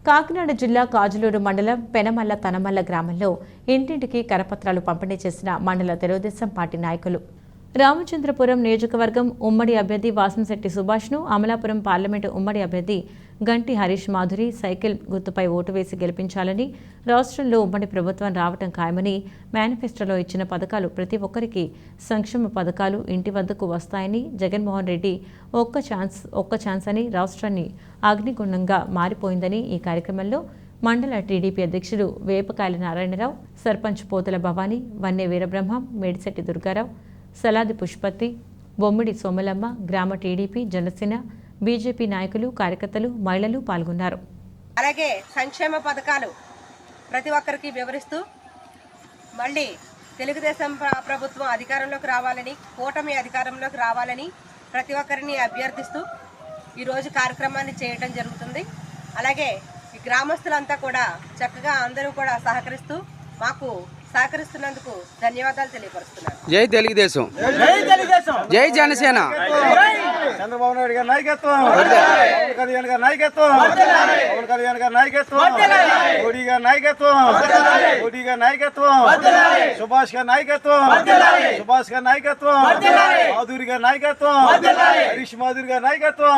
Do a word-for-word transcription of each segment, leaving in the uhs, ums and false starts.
కాకినాడ జిల్లా కాజులూరు మండలం పెనమల్ల తనమల్ల గ్రామంలో ఇంటింటికి కరపత్రాలు పంపిణీ చేసిన మండల తెలుగుదేశం పార్టీ నాయకులు. రామచంద్రపురం నియోజకవర్గం ఉమ్మడి అభ్యర్థి వాసంశెట్టి సుభాష్ను, అమలాపురం పార్లమెంటు ఉమ్మడి అభ్యర్థి గంటి హరీష్ మాధురి సైకిల్ గుర్తుపై ఓటు వేసి గెలిపించాలని, రాష్ట్రంలో ఉమ్మడి ప్రభుత్వం రావటం ఖాయమని, మేనిఫెస్టోలో ఇచ్చిన పథకాలు ప్రతి ఒక్కరికి సంక్షేమ పథకాలు ఇంటి వద్దకు వస్తాయని, జగన్మోహన్ రెడ్డి ఒక్క ఛాన్స్ ఒక్క ఛాన్స్ అని రాష్ట్రాన్ని అగ్నిగుండంగా మారిపోయిందని ఈ కార్యక్రమంలో మండల టీడీపీ అధ్యక్షుడు వేపకాయల నారాయణరావు, సర్పంచ్ పోతల భవానీ, వన్నె వీరబ్రహ్మం, మేడిశెట్టి దుర్గారావు, సలాది పుష్పతి, బొమ్మిడి సోమలమ్మ, గ్రామ టీడీపీ, జనసేన, బీజేపీ నాయకులు, కార్యకర్తలు, మహిళలు పాల్గొన్నారు. అలాగే సంక్షేమ పథకాలు ప్రతి ఒక్కరికి వివరిస్తూ మళ్ళీ తెలుగుదేశం ప్రభుత్వం అధికారంలోకి రావాలని, కూటమి అధికారంలోకి రావాలని ప్రతి ఒక్కరిని అభ్యర్థిస్తూ ఈరోజు కార్యక్రమాన్ని చేయడం జరుగుతుంది. అలాగే ఈ గ్రామస్తులంతా కూడా చక్కగా అందరూ కూడా సహకరిస్తూ మాకు సహకరిస్తున్నందుకు ధన్యవాదాలు తెలియపరుస్తున్నాను. జై తెలుగుదేశం, జై జనసేన. చంద్రబాబు నాయుడు గారి నాయకత్వం, పవన్ కళ్యాణ్ గారి నాయకత్వం, పవన్ కళ్యాణ్ గారి నాయకత్వం, మోడీ గారి నాయకత్వం, మోడీ గారి నాయకత్వం, సుభాష్ గారి నాయకత్వం, సుభాష్ గారి నాయకత్వం, మాధురి గారి నాయకత్వం, హరీష్ మాధురి గారి నాయకత్వం.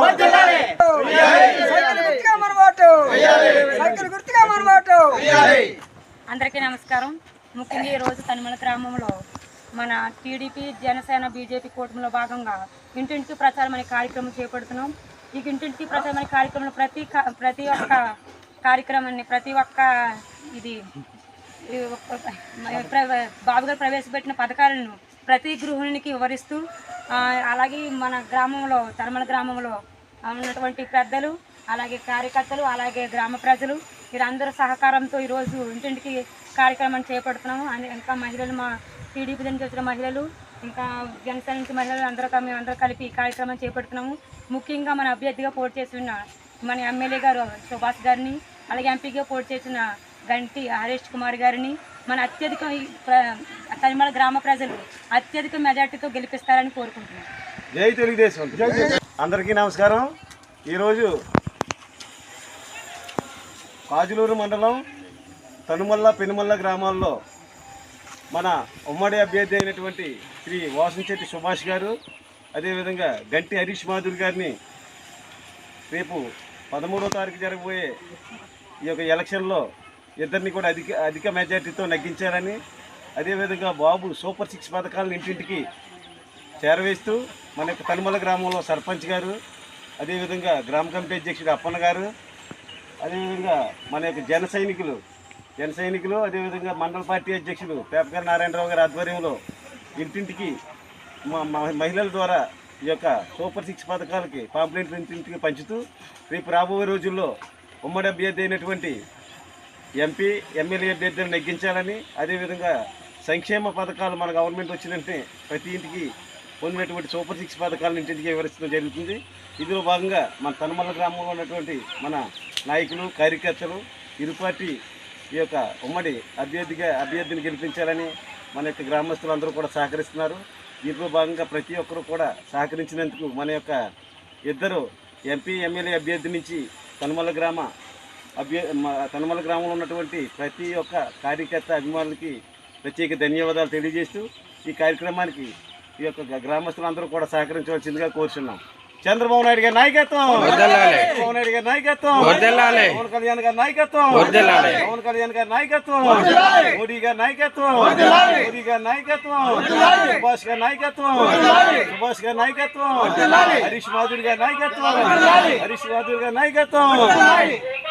అందరికీ నమస్కారం. ముఖ్యంగా ఈరోజు తనిమల గ్రామంలో మన టీడీపీ, జనసేన, బీజేపీ కూటమిలో భాగంగా ఇంటింటికి ప్రచారం అనే కార్యక్రమం చేపడుతున్నాం. ఈ ఇంటింటికి ప్రచారం అనే కార్యక్రమంలో ప్రతి ప్రతి ఒక్క కార్యక్రమాన్ని ప్రతి ఒక్క ఇది బాబు గారు ప్రవేశపెట్టిన పథకాలను ప్రతి గృహిణికి వివరిస్తూ, అలాగే మన గ్రామంలో తనిమల గ్రామంలో ఉన్నటువంటి పెద్దలు, అలాగే కార్యకర్తలు, అలాగే గ్రామ ప్రజలు వీరందరూ సహకారంతో ఈరోజు ఇంటింటికి కార్యక్రమాన్ని చేపడుతున్నాము. ఇంకా మహిళలు, మా టీడీపీ నుంచి వచ్చిన మహిళలు, ఇంకా జనసేన నుంచి మహిళలు అందరూ మేము అందరూ కలిపి ఈ కార్యక్రమం చేపడుతున్నాము. ముఖ్యంగా మన అభ్యర్థిగా పోటీ చేసిన మన ఎమ్మెల్యే గారు సుభాష్ గారిని, అలాగే ఎంపీగా పోటీ చేసిన గంటి హరీష్ కుమార్ గారిని మన అత్యధిక తనిమల గ్రామ ప్రజలు అత్యధిక మెజార్టీతో గెలిపిస్తారని కోరుకుంటున్నాం. జై తెలుగుదేశం. అందరికీ నమస్కారం. ఈరోజు కాజులూరు మండలం తనుమల్ల, పెనుమల్ల గ్రామాల్లో మన ఉమ్మడి అభ్యర్థి అయినటువంటి శ్రీ వాసంశెట్టి సుభాష్ గారు, అదేవిధంగా గంటి హరీష్ మాధురి గారిని రేపు పదమూడవ తారీఖు జరగబోయే ఈ యొక్క ఎలక్షన్లో ఇద్దరిని కూడా అధిక అధిక మెజార్టీతో నెగ్గించాలని, అదేవిధంగా బాబు సూపర్ సిక్స్ పథకాలను ఇంటింటికి చేరవేస్తూ మన యొక్క తనుమల్ల గ్రామంలో సర్పంచ్ గారు, అదేవిధంగా గ్రామ కమిటీ అధ్యక్షుడు అప్పన్న గారు, అదేవిధంగా మన యొక్క జన సైనికులు జన సైనికులు అదేవిధంగా మండల పార్టీ అధ్యక్షులు పేపకాయల నారాయణరావు గారి ఆధ్వర్యంలో ఇంటింటికి మహిళల ద్వారా ఈ యొక్క సూపర్ సిక్స్ పథకాలకి పాంప్లెంట్లు ఇంటింటికి పంచుతూ రేపు రాబోయే రోజుల్లో ఉమ్మడి అభ్యర్థి అయినటువంటి ఎంపీ, ఎమ్మెల్యే అభ్యర్థులను నెగ్గించాలని, అదేవిధంగా సంక్షేమ పథకాలు మన గవర్నమెంట్ వచ్చినంటే ప్రతి ఇంటికి పొందినటువంటి సూపర్ సిక్స్ పథకాలను ఇంటింటికి వివరించడం జరుగుతుంది. ఇందులో భాగంగా మన తనుమల్ల గ్రామంలో ఉన్నటువంటి మన నాయకులు, కార్యకర్తలు ఇరు పార్టీ ఈ యొక్క ఉమ్మడి అభ్యర్థిగా అభ్యర్థిని గెలిపించాలని మన యొక్క గ్రామస్తులు అందరూ కూడా సహకరిస్తున్నారు. దీంట్లో భాగంగా ప్రతి ఒక్కరూ కూడా సహకరించినందుకు మన యొక్క ఇద్దరు ఎంపీ, ఎమ్మెల్యే అభ్యర్థి నుంచి తనుమల్ల గ్రామ అభ్య తనుమల్ల గ్రామంలో ఉన్నటువంటి ప్రతి ఒక్క కార్యకర్త, అభిమానులకి ప్రత్యేక ధన్యవాదాలు తెలియజేస్తూ ఈ కార్యక్రమానికి ఈ యొక్క గ్రామస్తులందరూ కూడా సహకరించవలసిందిగా కోరుచున్నాం. చంద్రబాబు నాయుడు గారి నాయకత్వం, చంద్రబాబు నాయుడు గారి నాయకత్వం, పవన్ కళ్యాణ్ గారి నాయకత్వం, పవన్ కళ్యాణ్ గారి నాయకత్వం, మోడీ గారి నాయకత్వం, మోడీ గారి నాయకత్వం, సుభాష్ గారి నాయకత్వం, సుభాష్ గారి నాయకత్వం, హరీష్ మాధురి గారి నాయకత్వం, హరీష్ మాధురి గారి నాయకత్వం.